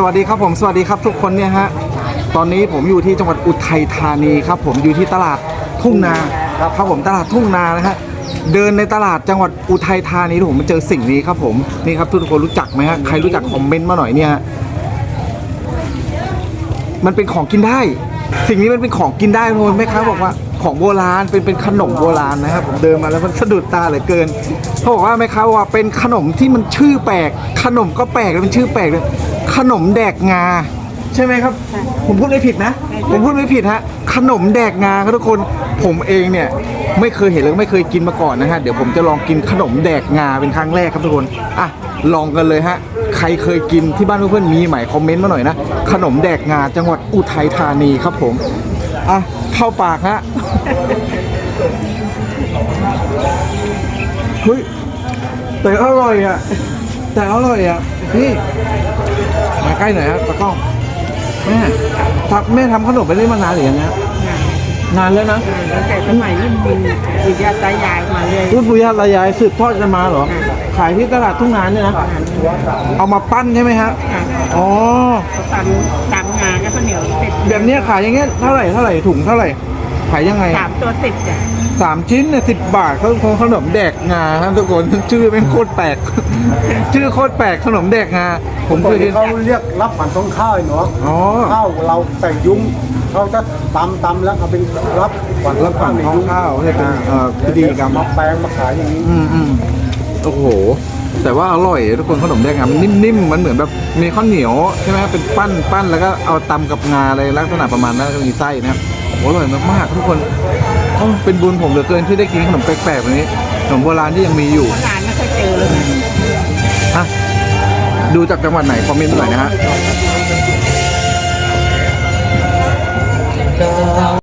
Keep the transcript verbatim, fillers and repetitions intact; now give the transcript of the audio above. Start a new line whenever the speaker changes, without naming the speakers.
วัสดีครับผมสวัสดีครับทุกคนเนี่ยฮะตอนนี้ผมอยู่ที่จังหวัดอุทัยธานีครับผมอยู่ที่ตลาดทุ่งนาครับผมตลาดทุ่งนานะฮะเดินในตลาดจังหวัดอุทัยธานีผมมาเจอสิ่งนี้ครับผมนี่ครับทุกคนรู้จักไหมฮะใครรู้จักคอมเมนต์มาหน่อยเนี่ยมันเป็นของกินได้สิ่งนี้มันเป็นของกินได้ทุกคนแม่ค้าบอกว่าของโบราณเป็นเป็นขนมโบราณนะครับผมเดินมาแล้วมันสะดุดตาเหลือเกินเขาบอกว่าแม่ค้าว่าเป็นขนมที่มันชื่อแปลกขนมก็แปลกแล้วมันชื่อแปลกเลยขนมแดกงาใช่ไหมครับผมพูดไม่ผิดนะผมพูดไม่ผิดฮะขนมแดกงาครับทุกคนผมเองเนี่ยไม่เคยเห็นแล้วไม่เคยกินมาก่อนนะฮะเดี๋ยวผมจะลองกินขนมแดกงาเป็นครั้งแรกครับทุกคนอ่ะลองกันเลยฮะใครเคยกินที่บ้านเพื่อนๆมีไหมคอมเมนต์มาหน่อยนะขนมแดกงาจังหวัดอุทัยธานีครับผมอ่ะเข้าปากฮะเฮ้ยแต่อร่อยอ่ะแต่อร่อยอ่ะนี่มาใกล้หน่อยครับตะก้องแม่ทำแม่ทำขนมไปได้มานานหรือยังฮะนานแล้วนะ
ตั้งแต่สมัยรุ่นปู่ปู่ย่าตายายมาเลย
รุ่นปู่ย่าตายายสืบทอดกันมาเหรอขายที่ตลาดทุ่งนาเนี่ยนะเอามาปั้นใช่ไหมฮะอ๋อ
เขาตำตำงานก็ข้าวเหนียวเสร็จ
แบบนี้ขายอย่างเงี้ยเท่าไหร่เท่าไหร่ถุงเท่าไหร่ขายยังไง
สามตัวสิบจ้ะ
สามชิ้นเนี่ยสิบบาทเขาของขนมแดกงาครับทุกคนชื่อเป็นโคตรแปลกชื่อโคตรแปลกขนมแดกงาผมเคยกิน
เขาเรียกรับผันต้องข้าวเนาะข้าวเราแต่ยุ้งเขาจะตำตำแล้วเอาเป็นรับ
ขวัญรับขวัญท้องข้าวเนี่ยเป็นเอ่อพิธีกรรม
มาแปลงมาขายอย่างนี้
อืมอืมโอ้โหแต่ว่าอร่อยทุกคนขนมแดงงามันนิ่มๆมันเหมือนแบบมีข้าวเหนียวใช่ไหมเป็นปั้นปั้นแล้วก็เอาตำกับงาอะไรลักษณะประมาณนั้นมีไส้นะครับโอ้อร่อยมากๆทุกคนเป็นบุญผมเหลือเกินที่ได้กินขนมแปลกๆแบบนี้ขนมโบราณที่ยังมีอยู่
โบราณไม่เคยเจอเลย
ฮะดูจากจังหวัดไหนคอมเมนต์หน่อยนะฮะ